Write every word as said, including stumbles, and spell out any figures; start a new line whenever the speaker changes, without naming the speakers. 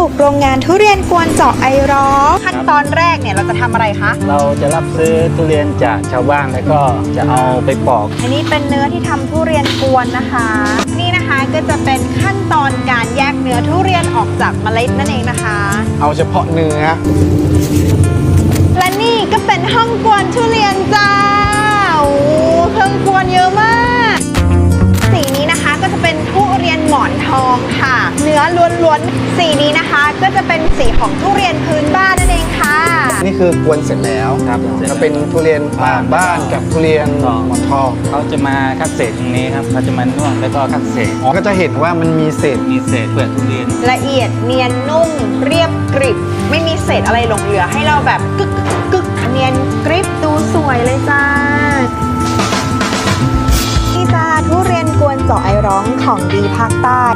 กโรงงานทุเรียนกวนเจาะไอร้องขั้นตอนแรกเนี่ยเราจะทำอะไรคะ
เราจะรับซื้อทุเรียนจากชาวบ้านแล้วก็จะเอาไปปอก
อันนี้เป็นเนื้อที่ทำทุเรียนกวนนะคะนี่นะคะก็จะเป็นขั้นตอนการแยกเนื้อทุเรียนออกจากเมล็ดนั่นเองนะคะ
เอาเฉพาะเนื้อ
และนี่ก็เป็นห้องกวนทุเรียนจ้าโอ้เครื่องกวนเยอะมากสีนี้นะคะก็จะเป็นทุเรียนหมอนทองค่ะเนื้อล้วนๆสีนี้นะคะก็จะเป็นสีของทุเรียนพื้นบ้านนั่นเองค่ะ
นี่คือกวนเสร็จแล้ว
ครับ
ก็เป็นทุเรียนป่าบ้านกับทุเรียนหมอนทอง
เขาจะมาคัดเศษตรงนี้ครับเขาจะมานวดแล้วก็คัดเศษ
อ๋อก็จะเห็นว่ามันมีเศษ
มีเศษเปลือกทุเรียน
ละเอียดเนียนนุ่มเรียบกริบไม่มีเศษอะไรหลงเหลือให้เราแบบกึกกึกเนียนกริบดูสวยเลยจ้าที่จ้าทุเรียนกวนเจาะไอร้องของดีภาคใต้